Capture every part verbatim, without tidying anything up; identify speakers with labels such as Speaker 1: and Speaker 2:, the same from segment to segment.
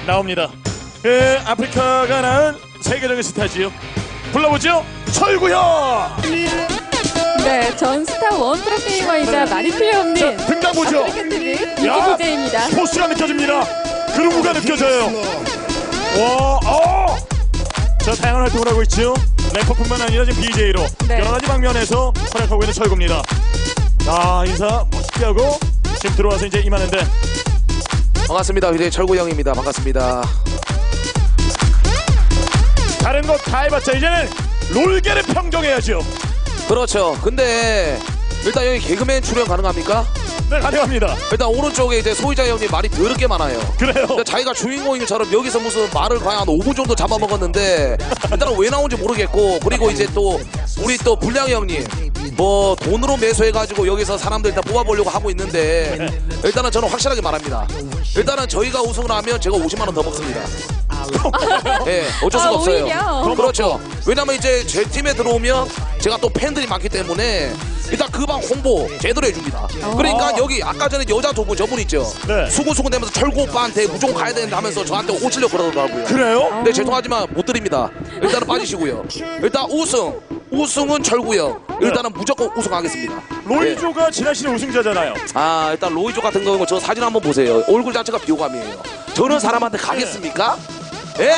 Speaker 1: 나옵니다. 그 아프리카가 낳은 세계적인 스타지요. 불러보죠. 철구형.
Speaker 2: 네, 전 스타 원 프로게이머이자 많이 틀림없는
Speaker 1: 등장 보죠.
Speaker 2: 아프리카티비
Speaker 1: 야,
Speaker 2: 디제이입니다.
Speaker 1: 포스가 느껴집니다. 그루브가 느껴져요. 와, 어! 자, 다양한 활동을 하고 있죠. 래퍼뿐만 아니라 지금 디제이로
Speaker 2: 네.
Speaker 1: 여러 가지 방면에서 활약하고 있는 철구입니다. 아, 인사 멋있게 하고 지금 들어와서 이제 임하는데.
Speaker 3: 반갑습니다. 이제 철구 형입니다. 반갑습니다.
Speaker 1: 다른 거 다 해봤자 이제는 롤계를 평정해야죠.
Speaker 3: 그렇죠. 근데 일단 여기 개그맨 출연 가능합니까?
Speaker 1: 네, 가능합니다.
Speaker 3: 일단 오른쪽에 이제 소희자 형님 말이 더럽게 많아요.
Speaker 1: 그래요.
Speaker 3: 그러니까 자기가 주인공인 것처럼 여기서 무슨 말을 과연 한 오 분 정도 잡아먹었는데 일단은 왜 나온지 모르겠고, 그리고 이제 또 우리 또 불량 형님 뭐 돈으로 매수해가지고 여기서 사람들 일단 뽑아보려고 하고 있는데, 일단은 저는 확실하게 말합니다. 일단은 저희가 우승을 하면 제가 오십만 원 더 먹습니다. 예, 네, 어쩔 수가
Speaker 2: 아,
Speaker 3: 없어요.
Speaker 2: 오히려?
Speaker 3: 그렇죠. 왜냐면 이제 제 팀에 들어오면 제가 또 팬들이 많기 때문에 일단 그 방 홍보 제대로 해줍니다. 그러니까 여기 아까 전에 여자 두 분 저분 있죠.
Speaker 1: 네.
Speaker 3: 수근수근 되면서 철구 오빠한테 무조건 가야 되는데 하면서 저한테 오시려고 그러더라고요.
Speaker 1: 그래요?
Speaker 3: 근데 죄송하지만 못 드립니다. 일단은 빠지시고요. 일단 우승 우승은 철구 형. 일단은 무조건 우승하겠습니다.
Speaker 1: 로이조가 지난 시즌 우승자잖아요.
Speaker 3: 아, 일단 로이조 같은 경우는 저 사진 한번 보세요. 얼굴 자체가 비호감이에요. 저런 사람한테 가겠습니까? 예?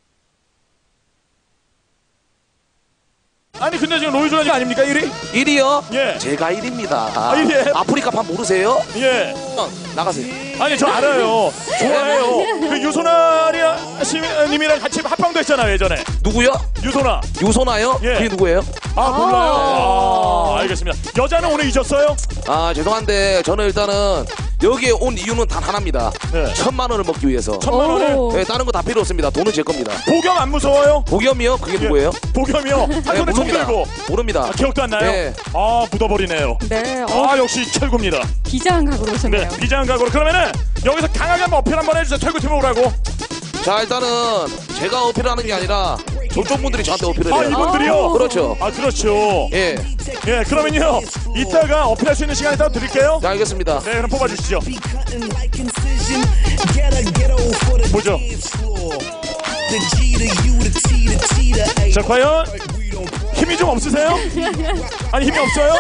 Speaker 1: 아니 근데 지금 로이조가 지금 아닙니까 일 위?
Speaker 3: 일 위요?
Speaker 1: 예.
Speaker 3: 제가 일 위입니다.
Speaker 1: 아, 일 위예요?
Speaker 3: 아프리카 판 모르세요?
Speaker 1: 예.
Speaker 3: 어, 나가세요.
Speaker 1: 아니 저 알아요. 좋아해요. 그 유소나리 님이랑 같이 합방도 했잖아요 예전에.
Speaker 3: 누구요?
Speaker 1: 유소나.
Speaker 3: 유소나요?
Speaker 1: 예.
Speaker 3: 그게 누구예요?
Speaker 1: 아 몰라요. 아, 알겠습니다. 여자는 오늘 이겼어요?
Speaker 3: 아, 죄송한데 저는 일단은 여기에 온 이유는 단 하나입니다.
Speaker 1: 네.
Speaker 3: 천만 원을 먹기 위해서.
Speaker 1: 천만 원을.
Speaker 2: 오.
Speaker 3: 네, 다른 거 다 필요 없습니다. 돈은 제 겁니다.
Speaker 1: 보겸 안 무서워요?
Speaker 3: 보겸이요? 그게 누구예요?
Speaker 1: 보겸이요. 한
Speaker 3: 네,
Speaker 1: 손에 총
Speaker 3: 모릅니다.
Speaker 1: 들고.
Speaker 3: 모릅니다.
Speaker 1: 아, 기억도 안 나요?
Speaker 3: 네.
Speaker 1: 아 묻어버리네요.
Speaker 2: 네, 어,
Speaker 1: 아 역시 철구입니다.
Speaker 2: 비장한 각오로 오셨네요.
Speaker 1: 네, 비장각으로. 그러면은 여기서 강하게 한번 어필 한번 해주세요. 철구팀 오라고.
Speaker 3: 자, 일단은 제가 어필을 하는 게 아니라 저쪽 분들이 저한테 어필을
Speaker 1: 아
Speaker 3: 해요.
Speaker 1: 이분들이요?
Speaker 3: 그렇죠.
Speaker 1: 아 그렇죠.
Speaker 3: 예.
Speaker 1: 예, 그러면요 이따가 어필할 수 있는 시간을 따로 드릴게요.
Speaker 3: 자, 알겠습니다.
Speaker 1: 네, 그럼 뽑아주시죠. 뭐죠? 자, 과연 힘이 좀 없으세요? 아니 힘이 없어요?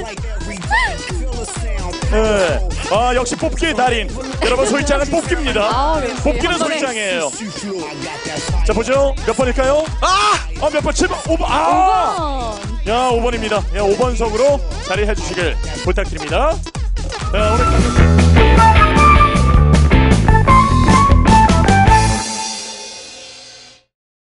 Speaker 1: 네. 아 역시 뽑기의 달인. 여러분 소희짱은 뽑기입니다.
Speaker 2: 아, 역시
Speaker 1: 뽑기는
Speaker 2: 한 번에.
Speaker 1: 소희짱이에요. 자 보죠. 몇 번일까요?
Speaker 3: 아!
Speaker 1: 아 몇 번? 칠 번? 오 번. 아!
Speaker 2: 오 번.
Speaker 1: 야 오 번입니다. 야 오 번석으로 자리해 주시길 부탁드립니다. 자 오늘